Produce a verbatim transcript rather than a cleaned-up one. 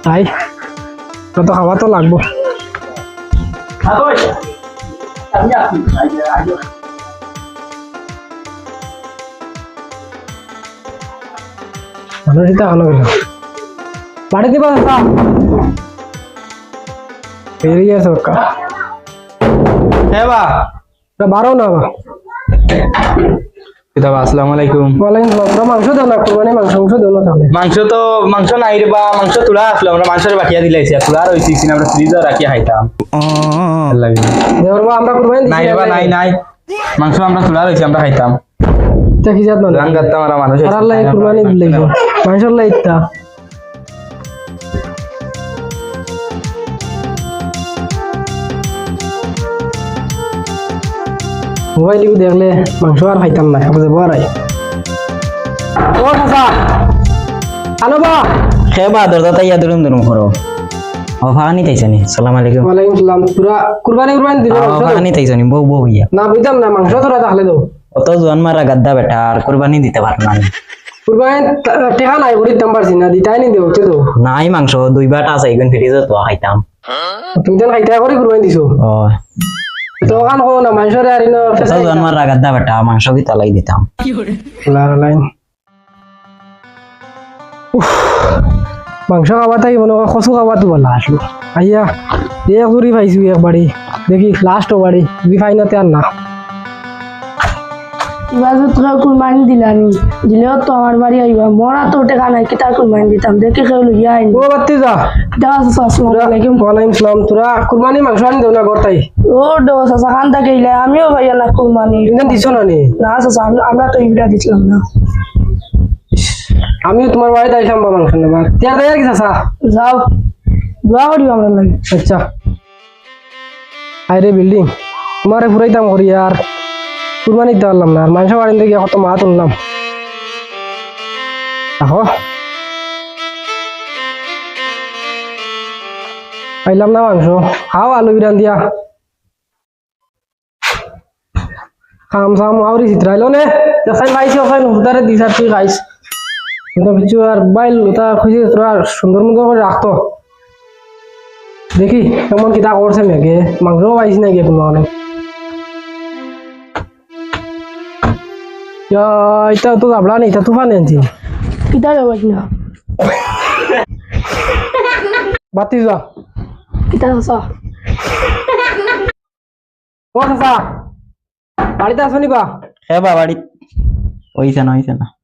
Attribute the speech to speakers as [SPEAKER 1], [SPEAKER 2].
[SPEAKER 1] তাই তো খাওয়া তো লাগবো। মানুষ এটা ভালো হইল বাড়ি দিবা বেরিয়ে সরকার
[SPEAKER 2] হ্যাঁ বা
[SPEAKER 1] বারো না বা
[SPEAKER 2] কিতাব আসসালামু আলাইকুম।
[SPEAKER 1] ওয়ালাইকুম আসসালাম। মাংস দাও না কুরবানি মাংস মাংস দাও না তাহলে।
[SPEAKER 2] মাংস তো মাংস নাই রে বা মাংস তুলা আসলো আমরা মাংসের বাকিয়া দিলাইছি তুলা আর হইছি আমরা ফ্রিজে রাখি খাইতাম লাগে
[SPEAKER 1] দেওর বা আমরা কুরবানি দিছি
[SPEAKER 2] নাই বা নাই নাই মাংস আমরা তুলা রইছি আমরা খাইতাম
[SPEAKER 1] তা কি জাত না
[SPEAKER 2] রান করতাম আমরা মানুষ
[SPEAKER 1] আর আল্লাহ কুরবানি দিলাইছো মাশাআল্লাহ ইত্তা মোবাইল ইউ দেখলে মাংস আর খাইতাম না বুঝে বড়াই ও চাচা আনো বা
[SPEAKER 3] খেবা দরজা তাইয়া দুরুম দুরুম করো ও ফাগানি তাইছানি সালাম আলাইকুম
[SPEAKER 1] ওয়ালাইকুম সালাম পুরা কুরবানি কুরবানি দিলে
[SPEAKER 3] ও ফাগানি তাইছানি বউ বউ ইয়া
[SPEAKER 1] না বুঝতাম না মাংস তোরা তাহলে দাও
[SPEAKER 3] অত জোয়ান মারা গাদ্দা বেটা আর কুরবানি দিতে পারো না
[SPEAKER 1] কুরবানি টেহা নাই বড়ি দাম পারছি না দিতাই নি দেও তে দাও
[SPEAKER 3] নাই মাংস দুই বাটা আছে ইগুন ফ্রিজে তো খাইতাম
[SPEAKER 1] তুমি তো খাইতা করে কুরবানি দিছো
[SPEAKER 3] ও
[SPEAKER 1] তো কান কো না মাংসরে আর ইনো
[SPEAKER 3] অত জোয়ান মারা গাদ্দা বেটা মাংস কি তালাই দিতাম
[SPEAKER 1] লার লাইন মাংস খাওয়া তাই মনে কচু খাওয়া তো বলা আসলো আইয়া এক জুড়ি পাইছো একবারই দেখি লাস্ট বাড়ি যদি ফাইনাতে আর না
[SPEAKER 4] এবার তোরা কুরবানি দিলানি দিলেও তো আমার বাড়ি আইবা মরা তো টেকা নাই কি তার কুরবানি দিতাম দেখে কেউ লইয়া আইনি
[SPEAKER 1] ও বাত্তি যা
[SPEAKER 4] দেওয়া আসসালামু আলাইকুম
[SPEAKER 1] ওয়ালাইকুম সালাম তোরা কুরবানি মাংস আনি দেও না গড়তাই
[SPEAKER 4] ও দেওয়া চাচা খান থাকে ইলে আমিও ভাইয়া না কুরবানি
[SPEAKER 1] ইন্দন দিছো না নি
[SPEAKER 4] না চাচা আমরা তো ইবিটা দিছিলাম না
[SPEAKER 1] আমিও তোমার বাড়িতে আইসাম বা মাংস নেবার তিয়ার দেয় আর কি চাচা
[SPEAKER 4] যাও দোয়া করিও আমরা লাগে
[SPEAKER 1] আচ্ছা আরে বিল্ডিং তোমারে ফুরাইতাম করি আর কুরবানি দিতে পারলাম না আর মাংস বাড়ি থেকে কত মা তুললাম দেখো পাইলাম না মাংস খাও আলু বিরান দিয়া খাম সাম আউরি চিত্রাইলো নে দেখাই পাইছি ওখানে হুদারে দিস আর তুই খাইস কিন্তু কিছু আর বাইল ওটা খুঁজে তোরা সুন্দর মতো করে রাখতো দেখি কেমন কিতা করছে মেঘে মাংসও পাইছি নাকি কোনো অনেক এটা তো যাবলা নেই এটা তুফান আনছি
[SPEAKER 4] কিতা যাবো না
[SPEAKER 1] বাতি যা
[SPEAKER 4] কিতা চাচা
[SPEAKER 1] ও চাচা বাড়িতে আসো নিবা
[SPEAKER 3] খেবা বাড়ি হইছে না হইছে না